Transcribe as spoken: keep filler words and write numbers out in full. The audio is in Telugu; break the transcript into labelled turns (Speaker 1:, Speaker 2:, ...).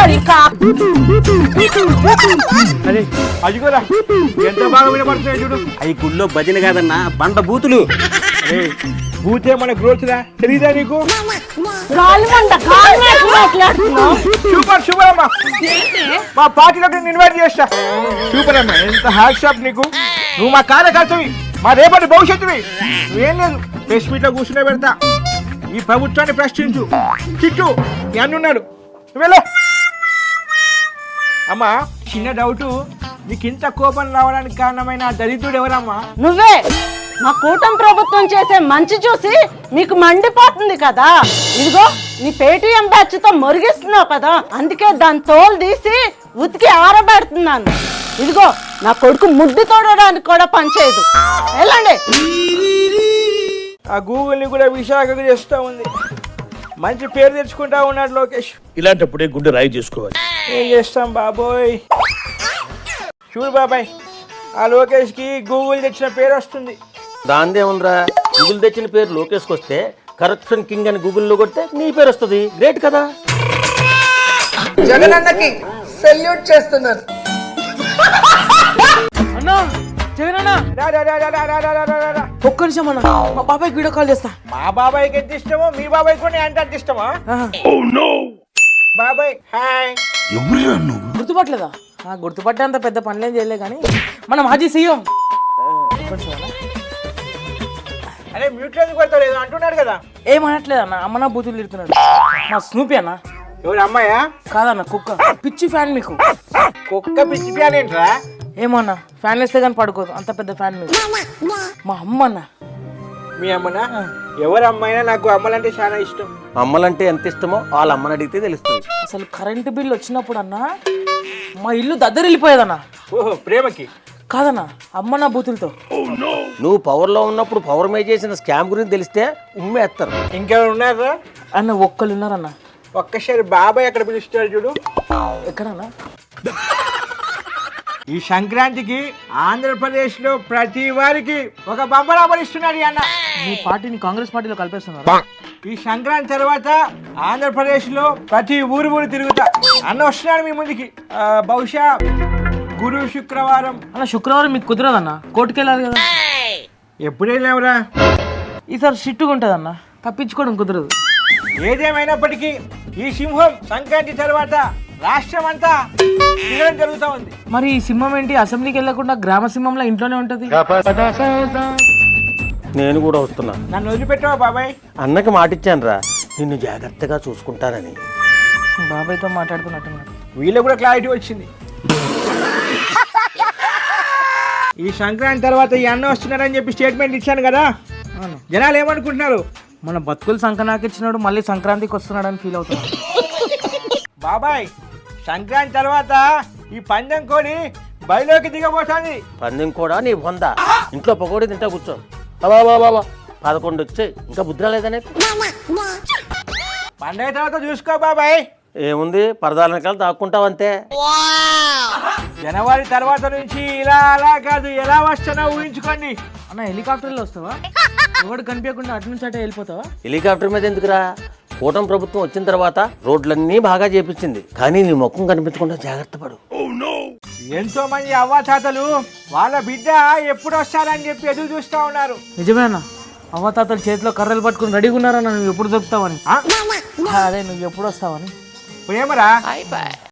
Speaker 1: అరే అది కూడా ఎంత బాగా వినపడుతున్నాయి చూడు.
Speaker 2: అవి గుళ్ళో భజన కాదన్నా బండ బూతులు.
Speaker 1: అరే బూతే మన గ్రోత్ రా తెలీదా నీకు? సూపర్ సూపర్ అమ్మా, మా పార్టీలోకి నేను ఇన్వైట్ చేస్తా. సూపర్ అమ్మా, ఎంత హ్యాట్ షాప్ నీకు. నువ్వు మా కార్యకర్తవి, మా రేపటి భవిష్యత్తువి. నువ్వేం లేదు ప్రెస్ మీట్ లో కూర్చునే పెడతా. ఈ ప్రభుత్వాన్ని ప్రశ్నించు. చిట్టు మీ అన్నున్నాడు, నువ్వెళ్ళు. అమ్మా చిన్న డౌటు, నీకు ఇంత కోపం రావడానికి కారణమైన దరిద్రుడు ఎవరమ్మా?
Speaker 3: నువ్వే. మా కూటమి ప్రభుత్వం చేసే మంచి చూసి మీకు మండిపోతుంది కదా. ఇదిగో నీ పేటీఎం బ్యాచ్ తో మురిగిస్తున్నావు కదా, అందుకే దాని తోలు తీసి ఉతికి ఆరబెడుతున్నాను. ఇదిగో నా కొడుకు ముడ్డు తోడడానికి కూడా పనిచేయదు. వెళ్ళండి.
Speaker 1: ఆ గూగుల్ని కూడా విశాఖకు చేస్తూ ఉంది. మంచి పేరు తెచ్చుకుంటా ఉన్నాడు లోకేష్.
Speaker 4: ఇలాంటప్పుడే గుండె రాయి చేసుకోవాలి.
Speaker 1: ఏం చేస్తాం బాబోయ్. చూడు బాబాయ్, ఆ లోకేష్ కి గూగుల్ తెచ్చిన పేరు వస్తుంది.
Speaker 4: దాందే ఉందిరా, గూగుల్ తెచ్చిన పేరు లోకేష్కి వస్తే కరప్షన్ కింగ్ అని గూగుల్లో కొడితే నీ పేరు వస్తుంది. గ్రేట్ కదా.
Speaker 5: జగనన్నకి సెల్యూట్ చేస్తున్నారు.
Speaker 6: అన్నా జగనన్నా
Speaker 1: రా, రా, రా, రా, రా, రా, రా, రా, రా.
Speaker 6: ఒక్క నిమిషం అన్న, మా బాబాయ్కి వీడియో కాల్ చేస్తా.
Speaker 1: మా బాబాయ్కి ఎంత ఇష్టమో మీ బాబాయ్ కూడా అంటే అంత ఇష్టమా? బాబాయ్ హాయ్.
Speaker 6: గుర్తుపట్టలేదా? గుర్తుపట్టే అంత పెద్ద పనులేం చేయలే కానీ మన మాజీ సీఎం.
Speaker 1: అరే మ్యూట్ ఎందుకు పెడతావు? ఏదో అంటున్నాడు కదా.
Speaker 6: ఏమనట్లేదు అన్న, అమ్మనా బూతులు తిడుతున్నాడు. మా స్నూపీ అన్న.
Speaker 1: ఎవరు అమ్మాయా?
Speaker 6: కాదన్న కుక్క. పిచ్చి ఫ్యాన్ మీకు.
Speaker 1: కుక్క పిచ్చి ప్యాన్ ఏంట్రా?
Speaker 6: ఏమో అన్న, ఫ్యాన్ వేస్తే కానీ పడుకోదు, అంత పెద్ద ఫ్యాన్ మీకు. మా అమ్మ అన్న.
Speaker 1: మీ అమ్మనా? ఎవరు అమ్మాయినా నాకు అమ్మలంటే చాలా ఇష్టం.
Speaker 4: అమ్మలంటే ఎంత ఇష్టమో వాళ్ళ అమ్మని అడిగితే తెలుస్తుంది.
Speaker 6: అసలు కరెంటు బిల్ వచ్చినప్పుడు అన్న మా ఇల్లు దద్దరిల్లిపోయేదన్న.
Speaker 1: ఓహో ప్రేమకి
Speaker 6: కాదన్న, అమ్మ నా బూతులతో.
Speaker 4: నువ్వు పవర్లో ఉన్నప్పుడు పవర్ మే చేసిన స్కామ్ గురించి తెలిస్తే ఉమ్మేస్తారు.
Speaker 1: ఇంకెవరు ఉన్నారా
Speaker 6: అన్న? ఒక్కళ్ళు ఉన్నారన్న.
Speaker 1: ఒక్కసారి బాబాయ్ అక్కడ పిలుస్తాడు చూడు.
Speaker 6: ఎక్కడన్నా?
Speaker 1: ఈ సంక్రాంతికి ఆంధ్రప్రదేశ్ లో ప్రతి వారికి ఒక బంపర్ ఇస్తున్నాడు అన్న.
Speaker 6: మీ పార్టీని కాంగ్రెస్ పార్టీలో కలిపేస్తున్నారు.
Speaker 1: ఈ సంక్రాంతి తర్వాత ఆంధ్రప్రదేశ్ లో ప్రతి ఊరు ఊరు తిరుగుతా అన్న వస్తున్నాడు మీ ముందుకి. ఆ, బహుశా గురు శుక్రవారం.
Speaker 6: అన్న శుక్రవారం మీకు కుదరదన్న, కోర్టుకు వెళ్ళాలి కదా.
Speaker 1: ఎప్పుడైనావురా?
Speaker 6: ఈసారి షిట్టుగా ఉంటుంది అన్న, తప్పించుకోవడం కుదరదు.
Speaker 1: ఏదేమైనప్పటికీ ఈ సింహం సంక్రాంతి తర్వాత రాష్ట్రం అంతా తిరగడం జరుగుతూ ఉంది.
Speaker 6: మరి ఈ సింహం ఏంటి అసెంబ్లీకి వెళ్ళకుండా గ్రామ సింహంలో ఇంట్లోనే ఉంటది?
Speaker 4: నేను కూడా వస్తున్నా.
Speaker 1: నన్ను వదిలిపెట్టావా బాబాయ్?
Speaker 4: అన్నకి మాటిచ్చాను రా, నిన్ను జాగ్రత్తగా చూసుకుంటానని.
Speaker 6: బాబాయ్తో మాట్లాడుతున్నట్టున్నాడు.
Speaker 1: వీళ్ళకి కూడా క్లారిటీ వచ్చింది. ఈ సంక్రాంతి తర్వాత ఈ అన్న వస్తున్నారని చెప్పి స్టేట్మెంట్ ఇచ్చాను కదా, జనాలు ఏమనుకుంటున్నారు?
Speaker 6: మన బతుకులు సంక్రాంతికి మళ్ళీ సంక్రాంతికి వస్తున్నాడని ఫీల్ అవుతున్నాడు.
Speaker 1: బాబాయ్ సంక్రాంతి తర్వాత ఈ పందెం కోడి బయలోకి దిగబోతుంది.
Speaker 4: పందెం కూడా నీ బొంద. ఇంట్లో పకోడీ తింటా కూర్చో. బాబా బాబా పదకొండు వచ్చాయి, ఇంకా బుద్ధి రాలేదనే.
Speaker 1: పండగ తర్వాత చూసుకో బాబాయ్.
Speaker 4: ఏముంది, పరదాల వెనకాల దాక్కుంటావు అంతే.
Speaker 1: జనవరి తర్వాత నుంచి ఇలా అలా కాదు, ఎలా వస్తానో ఊహించుకోండి.
Speaker 6: అన్న హెలికాప్టర్లో వస్తావా? ఎవడు కనిపించకుండా అటు నుంచి అటే వెళ్ళిపోతావా?
Speaker 4: హెలికాప్టర్ మీద ఎందుకురా? కూటమి ప్రభుత్వం వచ్చిన తర్వాత రోడ్లన్నీ బాగా చేపించింది, కానీ నీ ముఖం కనిపించకుండా జాగ్రత్త పడు.
Speaker 1: ఎంతో మంది అవ్వాతాతలు వాళ్ళ బిడ్డ ఎప్పుడు వస్తారని చెప్పి ఎదురు చూస్తూ ఉన్నారు.
Speaker 6: నిజమేనా? అవ్వతాతలు చేతిలో కర్రలు పట్టుకుని రెడీగా ఉన్నారన్న, నువ్వు ఎప్పుడు దొరుకుతావని. అదే నువ్వు ఎప్పుడు వస్తావని.
Speaker 1: ప్రేమరా